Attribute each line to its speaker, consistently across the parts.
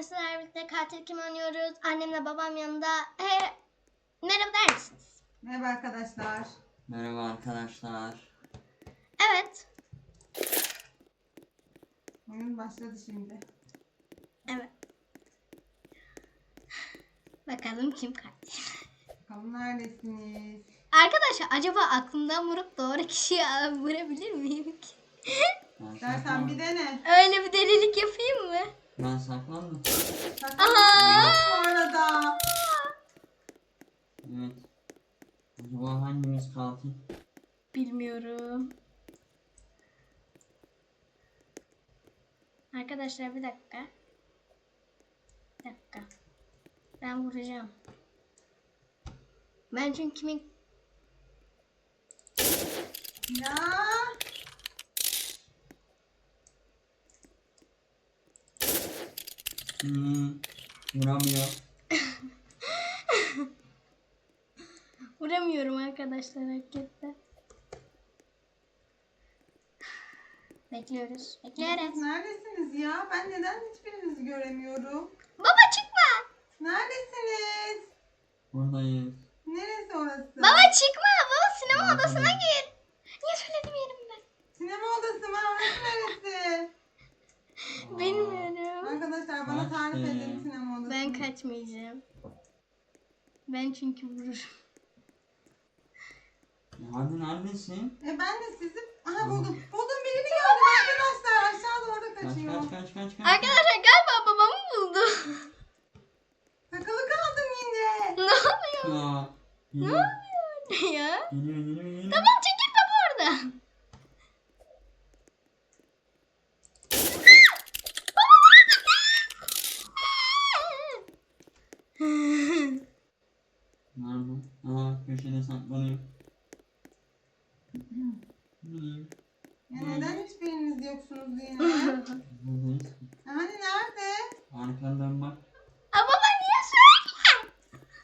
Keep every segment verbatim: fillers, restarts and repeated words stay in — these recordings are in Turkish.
Speaker 1: sizlerle birlikte katil kim oynuyoruz? Annemle babam yanında. He, merhaba der misiniz?
Speaker 2: Merhaba arkadaşlar.
Speaker 3: Merhaba arkadaşlar.
Speaker 1: Evet.
Speaker 2: Oyun başladı şimdi.
Speaker 1: Evet. Bakalım kim katil.
Speaker 2: Bakalım neredesiniz?
Speaker 1: Arkadaşlar acaba aklımdan vurup doğru kişiyi vurabilir miyim ki?
Speaker 3: Ben
Speaker 2: Dersen bir
Speaker 3: saklandım.
Speaker 2: dene.
Speaker 1: Öyle bir delilik yapayım mı?
Speaker 3: Ben saklandım.
Speaker 1: Aha!
Speaker 2: Bu arada.
Speaker 3: Evet. Acaba hangimiz katil?
Speaker 1: Bilmiyorum. Arkadaşlar bir dakika. Bir dakika. Ben vuracağım. Ben çünkü kimin...
Speaker 2: Ya.
Speaker 3: Hmm, vuramıyor.
Speaker 1: Vuramıyorum arkadaşlar hakikaten. Bekliyoruz.
Speaker 2: Siz
Speaker 1: Bekleriz.
Speaker 2: neredesiniz ya? Ben neden hiçbirinizi göremiyorum?
Speaker 1: Baba çıkma.
Speaker 2: Neredesiniz?
Speaker 3: Buradayız.
Speaker 2: Neresi orası?
Speaker 1: Baba çıkma. Baba sinema
Speaker 3: Buradayız.
Speaker 1: odasına gir. Niye söyledim yerimden?
Speaker 2: Sinema odası mı? Orası neresi?
Speaker 1: Bilmiyorum.
Speaker 2: Arkadaşlar bana
Speaker 3: Kaçtı.
Speaker 2: tarif edin sinema odasını.
Speaker 1: Ben kaçmayacağım. Ben çünkü vururum.
Speaker 3: Ya hadi neredesin?
Speaker 2: E ben de sizi... Aha buldum. Buldum birini gördüm arkadaşlar. Aşağıda orada
Speaker 3: Kaç
Speaker 2: kaçıyor.
Speaker 3: kaç kaç kaç kaç.
Speaker 1: Arkadaşlar galiba babamı buldu.
Speaker 2: Takılı kaldım yine.
Speaker 1: Ne oluyor?
Speaker 3: Ya.
Speaker 1: Ne
Speaker 3: Geliyor.
Speaker 1: oluyor ya?
Speaker 3: Geliyor geliyor geliyor.
Speaker 1: Tamam çekil baba orada.
Speaker 3: Nerede? Aa köşede saklanıyor. Bileyim.
Speaker 2: Ya neden hiçbiriniz yoksunuz yine?
Speaker 3: Buradayız.
Speaker 2: Hani nerede?
Speaker 3: Arkandan bak.
Speaker 1: Aa, baba niye söylüyorsun?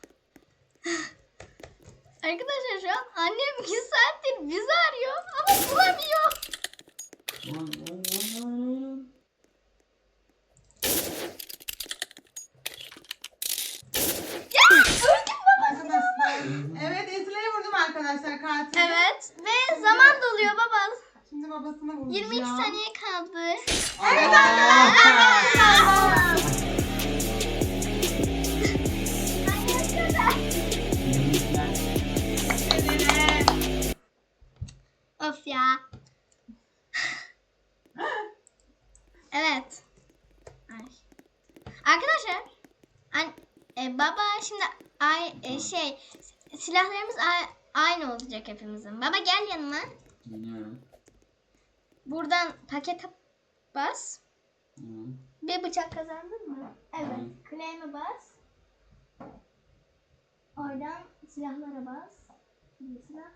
Speaker 1: Arkadaşlar şu an annem iki saattir bizi arıyor ama bulamıyor.
Speaker 3: Lan, lan, lan, lan.
Speaker 1: Ya öldüm baba.
Speaker 2: Arkadaşlar. Evet Esra'yı vurdum arkadaşlar katil.
Speaker 1: Evet ve zaman doluyor baba.
Speaker 2: Şimdi babasını vuracağım.
Speaker 1: yirmi iki saniye kaldı.
Speaker 2: Evet
Speaker 3: Aa!
Speaker 2: arkadaşlar.
Speaker 1: Of ya. Evet. Ay. Arkadaşlar, an, e, baba şimdi ay e, şey silahlarımız a- aynı olacak hepimizin. Baba gel yanıma.
Speaker 3: Geliyorum.
Speaker 1: Buradan pakete bas.
Speaker 3: Hı.
Speaker 1: Bir bıçak kazandın mı? Evet.
Speaker 3: Hı.
Speaker 1: Claim'e bas. Oradan silahlara bas. Bir silah.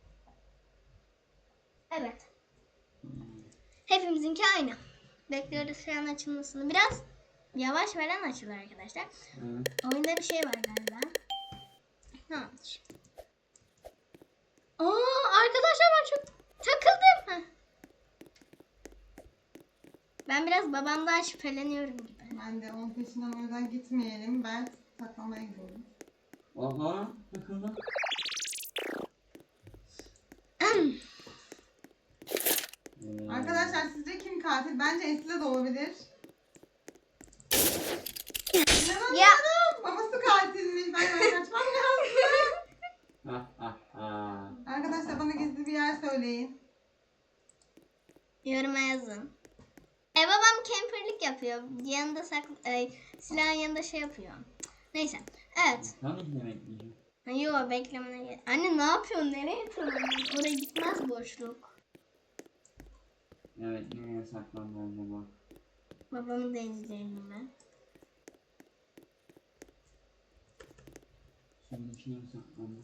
Speaker 1: Evet. Hepimizinki aynı. Bekliyoruz şu an açılmasını. Biraz yavaş veren açılır arkadaşlar.
Speaker 3: Evet.
Speaker 1: Oyunda bir şey var galiba. Tamamdır. Aa, arkadaşlar ben çok takıldım. Heh. Ben biraz babamdan şüpheleniyorum gibi.
Speaker 2: Ben de onun peşinden o yüzden gitmeyelim. Ben saklamaya gidiyorum.
Speaker 3: Aha takıldı. Ee,
Speaker 2: Arkadaşlar sizce kim katil? Bence Esra da olabilir. İnanamıyorum.
Speaker 1: Ya.
Speaker 2: Babası katilmiş. Ben böyle kaçmam lazım.
Speaker 3: Ha ha ha.
Speaker 2: Arkadaşlar bana gizli bir yer söyleyin.
Speaker 1: Yoruma yazın. E babam camperlik yapıyor. Yanında saklı, e, silahın yanında şey yapıyor. Neyse. Evet.
Speaker 3: Tabii ki de bekleyeceğim.
Speaker 1: Ha, Yo beklemene gel. Anne ne yapıyorsun? Nereye tırmanıyorsun? Oraya gitmez boşluk.
Speaker 3: Evet nereye saklandı acaba?
Speaker 1: Babamı da izleyelim ben.
Speaker 3: Şunun içine mi saklandı?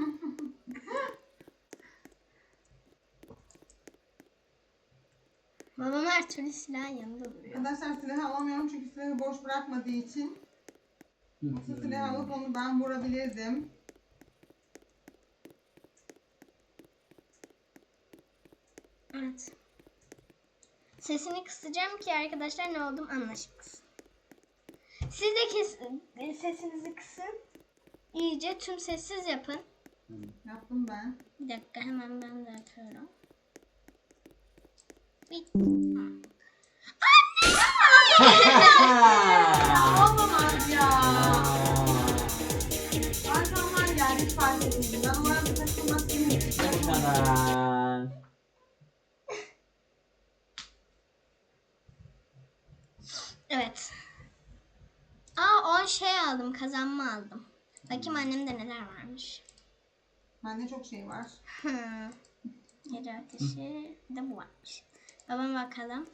Speaker 1: Babam her türlü silahın yanında duruyor.
Speaker 2: Arkadaşlar silahı alamıyorum çünkü silahı boş bırakmadığı için. Yoksa silahı alıp onu ben vurabilirdim.
Speaker 1: Evet. Sesini kısacağım ki arkadaşlar ne oldum anlaşılsın. Siz de kes, sesinizi kısın. İyice tüm sessiz yapın.
Speaker 3: Hı.
Speaker 2: Yaptım ben.
Speaker 1: Bir dakika hemen ben de atıyorum. Bir...
Speaker 2: Olamaz ya. Arkamdan geldi hiç fark etmedim. Ben orada takılmak istemiyorum.
Speaker 3: Bu kadar.
Speaker 1: Evet. Aa on şey aldım. Kazanma aldım. Bakayım annemde neler varmış.
Speaker 2: Bende çok şey var.
Speaker 1: Hı. Gece ateşi. Bir de bu varmış. Babama bakalım.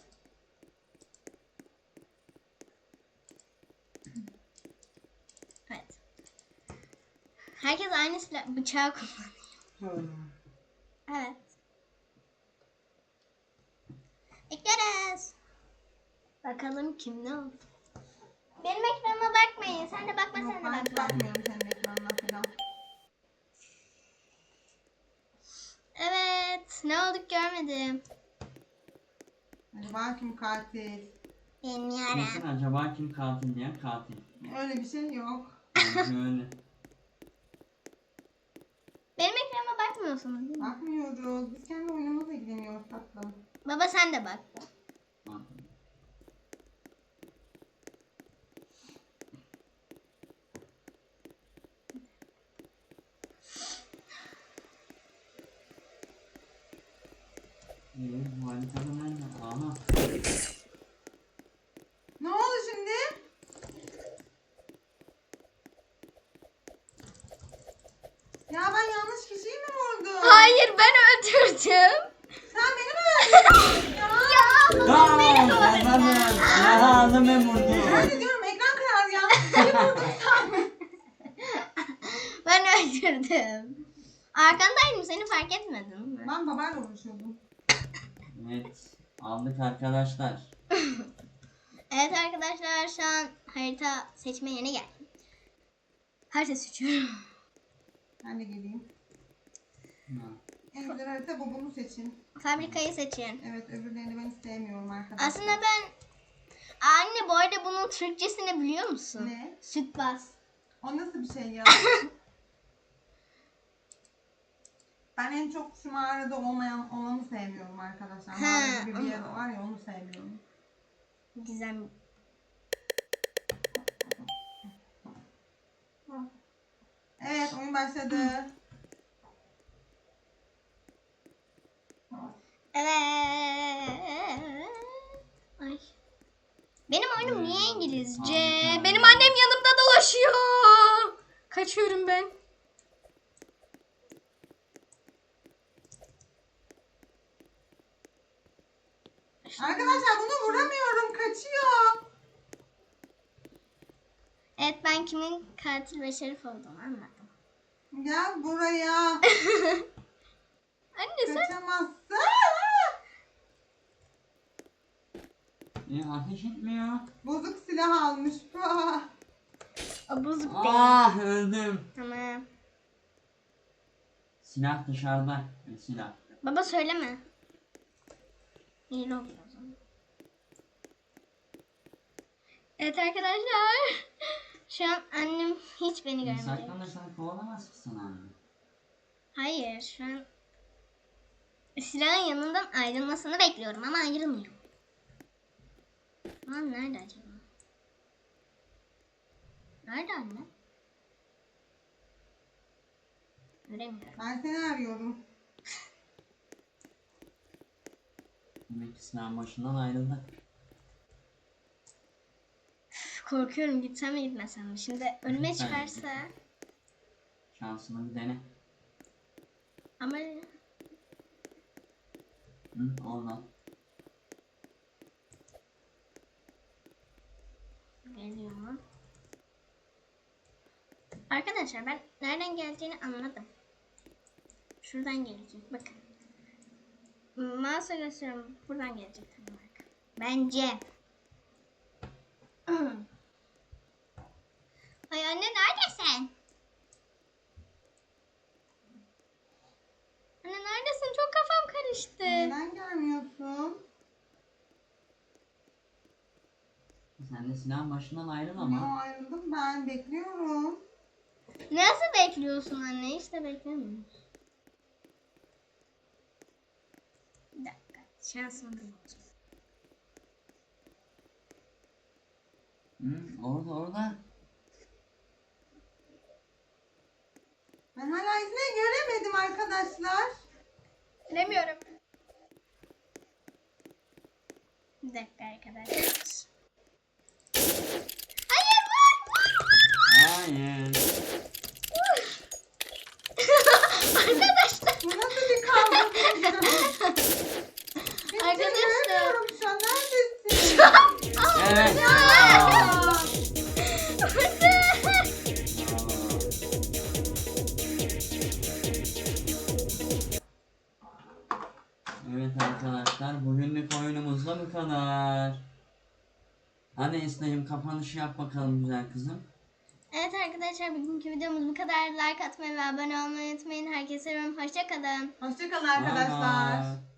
Speaker 1: Evet. Herkes aynı silah bıçağı kullanıyor. Evet. Bekleriz. Bakalım kim ne oldu. Benim ekranıma bakmayın. Sen de bakma
Speaker 2: Yok
Speaker 1: sen de
Speaker 2: ben hiç
Speaker 1: bakma.
Speaker 2: bakmıyorum senin ekranına falan.
Speaker 1: Evet. Ne olduk görmedim.
Speaker 2: Acaba kim katil?
Speaker 1: Bilmiyorum.
Speaker 3: Kesin acaba kim katil diye katil.
Speaker 2: Öyle bir şey yok.
Speaker 3: Bence öyle.
Speaker 1: Benim ekranıma bakmıyorsunuz değil mi?
Speaker 2: Bakmıyoruz. Biz kendi oyunumuzla ilgileniyoruz tatlım.
Speaker 1: Baba sen de bak.
Speaker 3: Bak. İyi, bu haritada nerede? Aha.
Speaker 2: Ne oldu şimdi? Ya ben yanlış kişiyi mi vurdum?
Speaker 1: Hayır ben öldürdüm.
Speaker 2: Sen beni mi öldürdün ya?
Speaker 1: Ya babam beni
Speaker 3: Aa,
Speaker 1: öldürdü.
Speaker 3: kazandım. Ya aldım ben vurdu.
Speaker 2: Ben de diyorum ekran karardı ya. Seni vurdum sen.
Speaker 1: Ben öldürdüm. Arkandaydım seni fark etmedin mi?
Speaker 2: Ben babayla uğraşıyordum.
Speaker 3: Evet. Aldık arkadaşlar.
Speaker 1: Evet arkadaşlar şu an harita seçme yerine geldim. Harita seçiyorum.
Speaker 2: Ben de geleyim.
Speaker 3: Ha.
Speaker 2: En güzel harita bu, bunu seçin.
Speaker 1: Fabrikayı seçin.
Speaker 2: Evet öbürlerini ben sevmiyorum arkadaşlar.
Speaker 1: Aslında ben... Anne bu arada bunun Türkçesini biliyor musun?
Speaker 2: Ne?
Speaker 1: Süt bas.
Speaker 2: O nasıl bir şey ya? Ben en çok şu mağarada olmayan olanı sevmiyorum arkadaşlar.
Speaker 1: Ha,
Speaker 2: Mağara gibi bir yer
Speaker 1: ama-
Speaker 2: var ya onu sevmiyorum.
Speaker 1: Gizem.
Speaker 2: Evet oyun başladı.
Speaker 1: Evet. Ay. Benim oyunum niye İngilizce?
Speaker 3: Harika.
Speaker 1: Benim annem yanımda dolaşıyor. Kaçıyorum ben.
Speaker 2: Arkadaşlar bunu vuramıyorum, kaçıyor.
Speaker 1: Evet ben kimin katil ve şerif olduğunu anladım.
Speaker 2: Gel buraya.
Speaker 1: Anne sen...
Speaker 2: Kaçamazsın.
Speaker 3: E, ateş etmiyor.
Speaker 2: Bozuk silah almış. Ah.
Speaker 1: O bozuk değil.
Speaker 3: Ah öldüm.
Speaker 1: Tamam.
Speaker 3: Silah dışarıda. E, silah.
Speaker 1: Baba söyleme. İyi oluyor o zaman. Evet arkadaşlar. Şu an annem hiç beni görmedi.
Speaker 3: Saklanırsan kovalamaz mısın anne?
Speaker 1: Hayır şu an silahın yanından ayrılmasını bekliyorum ama ayrılmıyor. Lan nerede acaba? Nerede anne? Göremiyorum.
Speaker 2: Ben seni arıyorum.
Speaker 3: Demek ki silahın başından ayrıldı.
Speaker 1: Üf, korkuyorum gitsem mi gitmesem mi? Şimdi önüme
Speaker 3: Gitsen
Speaker 1: çıkarsa
Speaker 3: Şansını bir dene.
Speaker 1: ama
Speaker 3: Hı, oradan.
Speaker 1: geliyor mu? Arkadaşlar ben nereden geleceğini anladım. Şuradan gelecek. Bakın. Mouse'a gösteriyorum. Buradan gelecek. Bence. Ay anne neredesin? Anne neredesin? Çok kafam karıştı.
Speaker 2: Neden gelmiyorsun?
Speaker 3: Sen de silahın başından ayrıl
Speaker 2: Yo,
Speaker 3: ama.
Speaker 2: ayrıldım ben. Bekliyorum.
Speaker 1: Nasıl bekliyorsun anne? İşte beklemiyoruz. Bir dakika. Şansımı bulacağım.
Speaker 3: Hı, orada orada.
Speaker 2: Ben hala izine göremedim arkadaşlar.
Speaker 1: Bilemiyorum. Bir dakika arkadaşlar. Hayır vur vur vur.
Speaker 3: Hayır.
Speaker 1: Arkadaşlar.
Speaker 2: Bu nasıl bir kavga video? Hiç
Speaker 1: Arkadaşlar.
Speaker 2: göremiyorum şu an. Neredesin?
Speaker 3: Evet.
Speaker 2: Aa!
Speaker 3: Evet arkadaşlar, bugünlük oyunumuz da bu kadar. Hadi Esna'cığım, kapanışı yap bakalım güzel kızım.
Speaker 1: Evet arkadaşlar, bugünkü videomuz bu kadar. Like atmayı ve abone olmayı unutmayın. Herkese seviyorum. Hoşça kalın.
Speaker 2: Hoşçakalın
Speaker 3: Bye
Speaker 2: arkadaşlar.
Speaker 3: bye.